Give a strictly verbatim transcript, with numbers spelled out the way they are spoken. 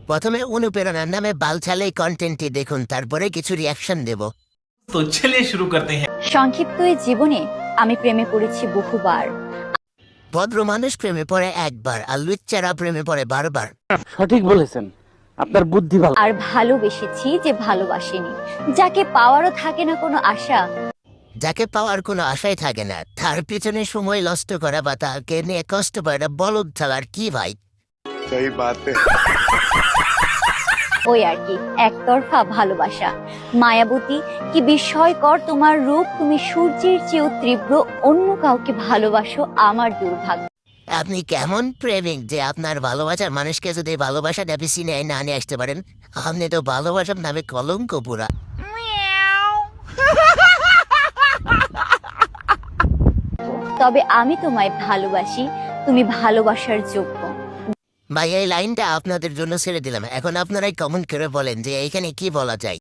প্রথমে অনুপ্রেরণার নামে বালছালেই কন্টেন্টটি দেখুন, তারপরে কিছু রিয়াকশন দেব। तो चलिए शुरू करते हैं। সংক্ষিপ্ত এই জীবনে আমি প্রেমে পড়েছি বহুবার। ভদ্র মানুষ প্রেমে পড়ে একবার, আর লুচ্চারা প্রেমে পড়ে বারবার। সঠিক বলেছেন, আপনার বুদ্ধি ভালো। আর ভালোবেসেছি যে ভালোবাসেনি, যাকে পাওয়ারও থাকে না কোনো আশা। যাকে পাওয়ার কোনো আশাই থাকে না, তার পিছনে সময় নষ্ট করা বা তাকে নিয়ে কষ্ট পাওয়া বলদ ছাড়ার কি ভাই। सही बात है। ওই আর কি, একতরফা ভালোবাসা। মায়াবতী, কি বিস্ময়কর তোমার রূপ, তুমি সূর্যের চেয়েও তীব্র, অন্য কাউকে ভালোবাসো আমার দুর্ভাগ্য। আপনি কেমন প্রেমিক যে আপনার ভালোবাসার মানুষকে যদি ভালোবাসা নেবে সিনে না নিয়ে আসতে পারেন? আপনি তো ভালোবাসার নামে কলঙ্ক পুরা। তবে আমি তোমায় ভালোবাসি, তুমি ভালোবাসার যোগ্য। ভাই এই লাইনটা আপনাদের জন্য ছেড়ে দিলাম, এখন আপনারাই কমেন্ট করে বলেন যে এইখানে কি বলা যায়।